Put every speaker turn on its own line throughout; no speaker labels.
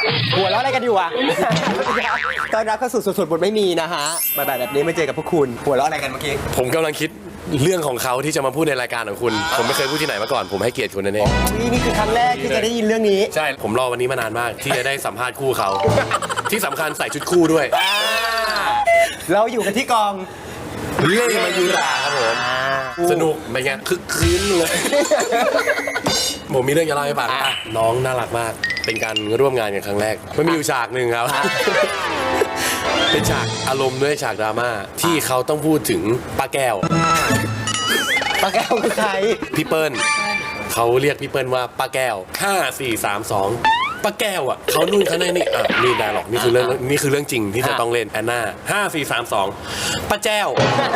หัวเราะอะไรกันอยู่อ่ะตอนรับเข้าสู่สุดๆบทไม่มีนะฮะแบบนี้ไม่เจอกับพวกคุณหัวเราะอะไรกันเมื่อกี้
ผมกำลังคิดเรื่องของเขาที่จะมาพูดในรายการของคุณ ผมไม่เคยพูดที่ไหนมาก่อน ผมให้เกียรติคุณนั่นเอง
นี่คือครั้งแรกที่จะได้ยินเรื่องนี้
ใช่ ผมรอวันนี้มานานมาก ที่จะได้สัมภาษณ์คู่เขา ที่สำคัญใส่ชุดคู่ด้วย
เราอยู่กันที่กอง
เล่มายุราครับผม สนุกไปไงคึกคืนเลย ผมมีเรื่องจะเล่าให้ฟังอ่ะน้องน่ารักมาก เป็นการร่วมงานกันครั้งแรกมันมีอยู่ฉากหนึ่งครับ เป็นฉากอารมณ์ด้วยฉากดราม่าที่เขาต้องพูดถึงป้าแก้ว
ป้าแก้วคือใคร
พี่เปิ้ลเขาเรียกพี่เปิ้ลว่าป้าแก้ว5 4 3 2ป้าแก้วอ่ะเขานู่นเขานี่อ่ะนี่ได้หรอกนี่คือเรื่องจริงที่จะต้องเล่นแอนนา5 4 3 2ป้าแจ้ว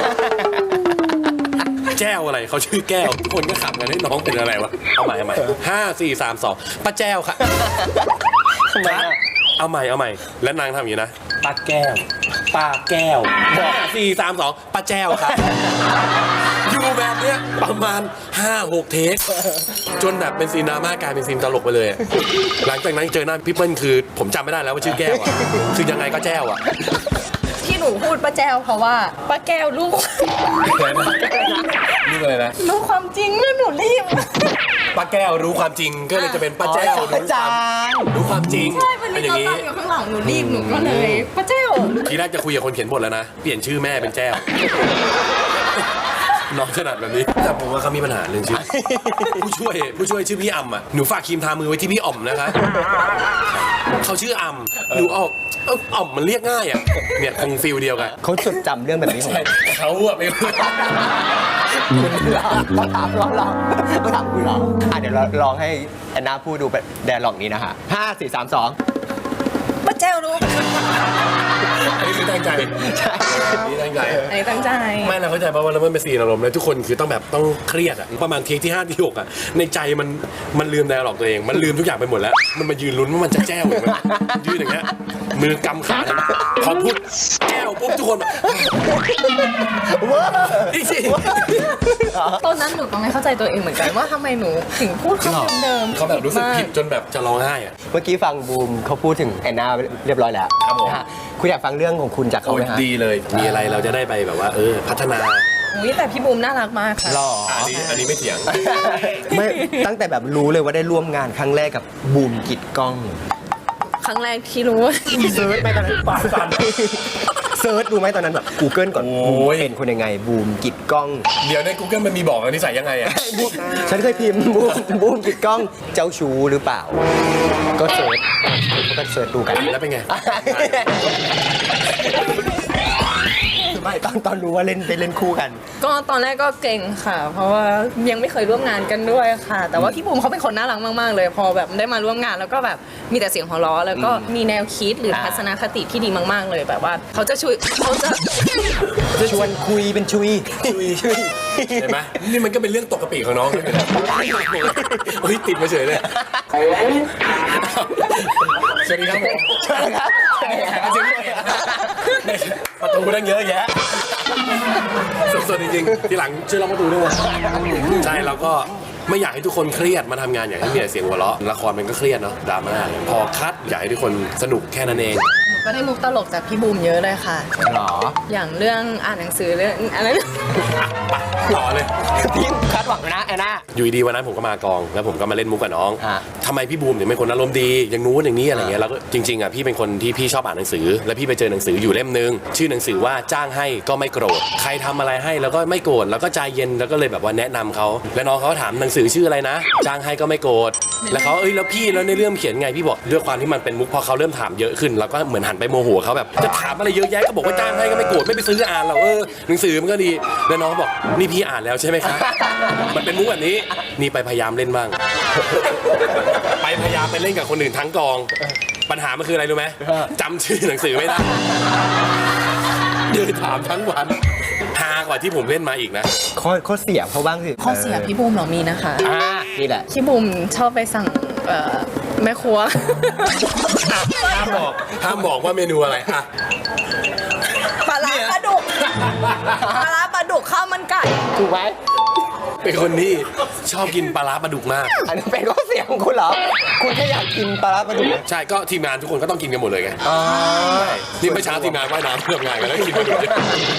แจ้วอะไรเขาชื่อแก้วทุกคนก็ขำกันให้น้องเป็นอะไรวะเอาใหม่5 4 3 2ป้าแจ้วค่ะเอาใหม่แล้วนางทำอย่างนี้นะป้าแก้ว5 4 3 2ป้าแจ้วครับอยู่แบบเนี้ยประมาณ 5-6 เทคจนแบบเป็นซีนดราม่ากลายเป็นซีนตลกไปเลยหลังจากนั้นเจอหน้าพี่เปิ้ลคือผมจำไม่ได้แล้วว่าชื่อแก้วอ่ะคือยังไงก็แจ้วอ่ะ
ที่หนูพูดป้าแจ้วเพราะว่าป้าแก้วรู้
อะไรนะ
รู้ความจริงแล้วหนูรีบ
ป้าแก้วรู้ความจริงก็เลยจะเป็นป้าแจ้วรู้ความจริง
ใช่วันนี้เราตั้งอยู่ข้างหลังหนูรีบหนูก็เลยป้าแจ้ว
ทีแรกจะคุยกับคนเขียนบทแล้วนะเปลี่ยนชื่อแม่เป็นแจ้วน้องถนัดแบบนี้แต่ผมว่าเขามีปัญหาเรื่องชื่อผู้ช่วยชื่อพี่อ่ำอ่ะหนูฝากครีมทามือไว้ที่พี่อ่อมนะคะเขาชื่ออ่ำหนูอ่อมมันเรียกง่ายอ่ะเนี่ยคงฟิลเดียวกัน
เขาจดจำเรื่องแบบนี้ของ
เขาอ่ะไม่รู้
ต้องถามคุณเหรอเดี๋ยวเราลองให้แอนนาพูดดูแบบแดร์ล็อกนี้นะฮะ5 4 3 2
ป้าแจ้วรู้
อันนี้คือตั้งใจใช่นี่ตั้งใจ
ไอ้ตั้งใจ
ไม่เราเข้าใจป่ะว่าเราไม่เป็นซีนอารมณ์แล้วทุกคนคือต้องแบบต้องเครียดอ่ะประมาณเทคที่5ที่6อ่ะในใจมันลืมไดอะล็อกตัวเองมันลืมทุกอย่างไปหมดแล้วมันมายืนลุ้นว่ามันจะแจ้วหรือมันยืนอย่างเงี้ยมือกำขาพอพูดแจ้วปุ๊บทุกคนแบบอีกสิ
ตอนนั้นหนูก็ไม่เข้าใจตัวเองเหมือนกันว่าทำไมหนูถึงพูดคำเดิมๆ
เขาแบบรู้สึกผิดจนแบบจะร้องไห้อ่ะ
เมื่อกี้ฟังบูมเขาพูดถึงแอนนาเรียบร้อยแล้ว
ครับผม
นะฮะคุณอยากฟังเรื่องของคุณจากเขาไหมฮะ
ดีเลยมีอะไรเราจะได้ไปแบบว่าพัฒนา
อุ๊ยแต่พี่บูมน่ารักมากค่ะ
หล่อ
อันนี้ไม่เถียง
ไม่ตั้งแต่แบบรู้เลยว่าได้ร่วมงานครั้งแรกกับบูมกิจกล้อง
ครั้งแรกที่รู้ว่า
เซิร์ชไหมตอนนั้นปากสั่นเซิร์ชดูไหมตอนนั้นแบบ Google ก่อน
โอ้ย
เป็นคนยังไงบูมกิจกล้อง
เดี๋ยวใน Google มันมีบอกนิสัยยังไงอ่ะ
ฉันเคยพิมพ์บูมกิจกล้องเจ้าชู้หรือเปล่า ก็เซิร์ชดูกัน
แล้วเป็นไง
ไม่ตอนรู้ว่าไปเล่นคู่กัน
ก็ตอนแรกก็เก่งค่ะ เพราะว่ายังไม่เคยร่วมงานกันด้วยค่ะ แต่ว่าพี่บูมเขาเป็นคนน่ารักมากๆเลย พอแบบได้มาร่วมงานแล้วก็แบบมีแต่เสียงหัวเราะแล้วก็มีแนวคิดหรือทัศนคติที่ดีมากๆเลยแบบว่าเขาจะ
ชวนคุยเป็นชุย
เห็นไหมนี่มันก็เป็นเรื่องตกกระปิของน้องเลยเฮ้ยติดมาเฉยเลยสวัสดีครับผมประตูนั่งเยอะแยะสดๆจริงๆทีหลังช่วยล็อกประตูด้วยใช่เราก็ไม่อยากให้ทุกคนเครียดมาทำงานอยากให้มีแต่เสียงหัวเราะละครมันก็เครียดเนาะดราม่าพอคัดอยากให้ทุกคนสนุกแค่นั้นเอง
หนูก็ได้มุกตลกจากพี่บูมเยอะเลยค่ะ
หรอ
อย่างเรื่องอ่านหนังสือเรื่องอะไร
ต่อเลย
พี่คาดหวังนะแอนนา
อยู่ดีวันนั้นผมก็มากองแล้วผมก็มาเล่นมุกกับน้อง
ฮะ
ทำไมพี่บูมถึงเป็นคนอารมณ์ดีอย่างนู้นอย่างนี้อะไรเงี้ยแล้วก็จริงๆอ่ะพี่เป็นคนที่พี่ชอบอ่านหนังสือแล้วพี่ไปเจอหนังสืออยู่เล่มนึงชื่อหนังสือว่าจ้างให้ก็ไม่โกรธใครทำอะไรให้แล้วก็ไม่โกรธแล้วก็ใจเย็นแล้วก็เลยแบบว่าแนะนำเขาแล้วน้องเขาถามหนังสือชื่ออะไรนะจ้างให้ก็ไม่โกรธแล้วเขาแล้วพี่แล้วในเรื่องเขียนไงพี่บอกด้วยความที่มันเป็นมุกพอเขาเริ่มถามเยอะขึ้นเราก็เหมือนหันไปโมโหเขาแบบจะถามอะไรเยอะแยะก็บอกว่าจ้างให้ก็ไม่โกรธไม่ไปซื้ออ่านหรอกหนังสือมันก็ดีแล้วน้องบอกนี่พี่อ่านแล้วใช่ไหมครับมันเป็นมุกแบบนี้นี่ไปพยายามเล่นบ้างไปพยายามไปเล่นกับคนอื่นทั้งกองปัญหามันคืออะไรรู้ไหมจำชื่อหนังสือไม่ได้เดินถามทั้งวันฮากว่าที่ผมเล่นมาอีกนะ
ข้อเสียเขาบ้างสิ
ข้อเสียพี่บูมเหรอมีนะคะ
นี่แหละ
พี่บูมชอบไปสั่งแม่ครัว
ห้ามบอกว่าเมนูอะไรอ่ะ
ปลาร้าปลาดุกข้าวมันไก่
ถูกไหม
เป็นคนที่ชอบกินปลาร้าปลาดุกมาก
อันนี้เป็นข้อเสียของคุณเหรอ คุณแค่อยากกินปลาร้าปลาดุก
ใช่ก็ทีมงานทุกคนก็ต้องกินกันหมดเลยไง
อ๋อ
นี่ไม่อเช้าทีมงานว่ายน้ำเพื่องานกันแล้วกินปลาดุก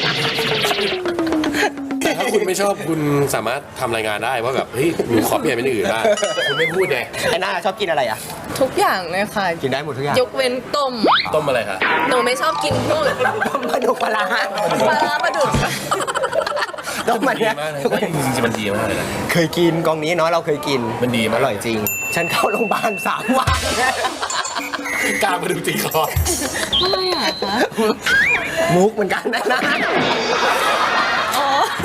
แต่ถ้าคุณไม่ชอบคุณสามารถทำรายงานได้ว่าแบบเฮ้ยหนูขอเปลี่ยนเป็นอย่างอื่นได้คุณไม่พูดไง
ไอ้หน้าชอบกินอะไรอ่ะ
ทุกอย่างเลยค่ะ
กินได้หมดทุกอย่าง
ยกเว้นต้ม
ต้มอะไรคะ
หนูไม่ชอบกินพวก
ต้มปลาดุกปลาร้า
ปลาร้าปลาดุก
ต้มมัน
ดี
เนี่ย
มากเลยจริงๆมันดีมากเลยนะ
เคยกินกองนี้เนาะเราเคยกิน
มันดีมาก
อร่อยจริง ฉันเข้าโรงพยาบาล3 วัน
กล้ามาดูตีคอ
ทำไมอ่ะคะ
มุกเหมือนกันนะ
อ๋อ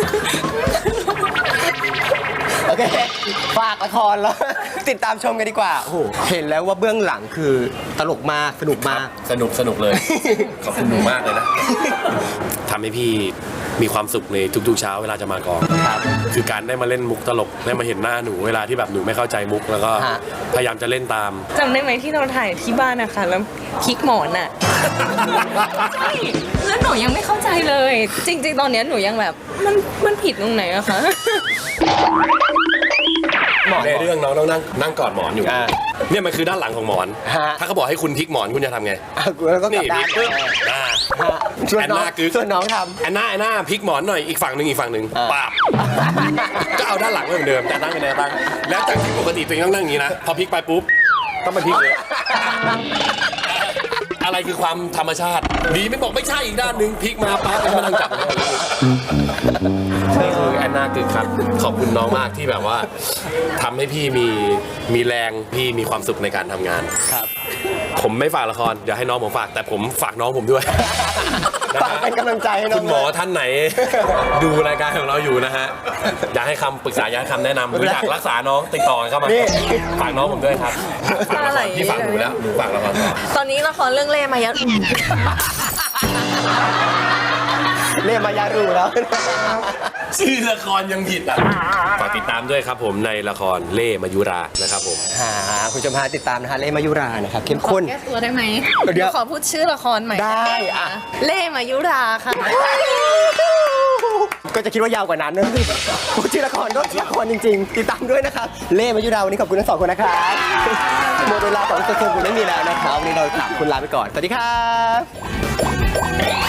โอเค ฝากละครแล้ว ติดตามชมกันดีกว่า โอ้โห เห็นแล้วว่าเบื้องหลังคือตลกมาก สนุกมาก
สนุกเลย ขอบคุณหนูมากเลยนะทำให้พี่มีความสุขในทุกๆเช้าเวลาจะมากอง
ครับ
คือการได้มาเล่นมุกตลกได้มาเห็นหน้าหนูเวลาที่แบบหนูไม่เข้าใจมุกแล้วก็
ฮะ
พยายามจะเล่นตาม
จำได้ไหมที่เราถ่ายที่บ้านนะคะแล้วพลิกหมอนอ่ะ ใช่แล้วหนูยังไม่เข้าใจเลย จริง ๆ ตอนเนี้ยหนูยังแบบมันผิดตรงไหนอะคะ
หมอน
ในเรื่องน้องต้องนั่งกอดหมอนอยู่
อ่า
เนี่ยมันคือด้านหลังของหมอน
ฮะ
ถ้าเขาบอกให้คุณพลิกหมอนคุณจะทำไง
อ่ะแล้วก็กลั
นี่
บด้า
พลิ
น
กปึ๊บอ่า
ฮะส่วน
แอน
น้อง
นากึก
ส่วนน้องท
แอนนาพลิกหมอนหน่อยอีกฝั่งหนึ่ง
อ่า
ปาบก็เอาด้านหลังไว้เหมือนเดิมแต่ตั้งเป็นแนวตั้งแล้วจากที่ปกติตัวเองต้องนั่งอย่างนี้นะพอพลิกไปปุ๊บต้องมาพลิกเลย อะไรคือความธรรมชาติ ดีไม่บอกไม่ใช่อีกด้านหนึ่งพลิกมาปั๊บแล้วมานั่งจับเลยนี่คือแอนนากึกครับขอบคุณน้องมากที่แบบว่าทำให้พี่มีแรงพี่มีความสุขในการทำงาน
ำครับ
ผมไม่ฝากละครเดี๋ยวให้น้องผมฝากแต่ผมฝากน้องผมด้วย
ฝากเป็นกำลังใจให้น้อง
คุณหมอท่านไหน ดูรายการของเราอยู่นะฮะอยากให้คำปรึกษาอยากให้คำแนะนำหรืออยากรักษาน้องติดต่อเข้ามาฝากน้องผมด้วยครับฝากละครพี่ฝากหนูแล้วหนูฝากละครต่อ
ตอนนี้ละครเรื่องเล่มายะ
เล่มายารูแล้ว
ชื่อละครยังผิดอ่ะฝากติดตามด้วยครับผมในละครเล่มายุรานะครับผม
คุณผู้ชมฮะติดตามนะคะเล่มายุรานะครับเข้ม
ขอ
ข้น
แก้ตัวได้ไหม
เดี๋ยว
ขอพูดชื่อละครใหม่
ได้อะ
เล่มายุราค่ะ
ก็จะคิดว่ายาวกว่านั้นนะพูดชื่อละครก็ละครจริงๆ ติดตามด้วยนะครับ เล่มายุราวันนี้ขอบคุณทั้งสองคนนะครับหมดเวลาของโซเชียลคุณไม่มีแล้วนะครับวันนี้เราสามคนลาไปก่อน สวัสดีครับ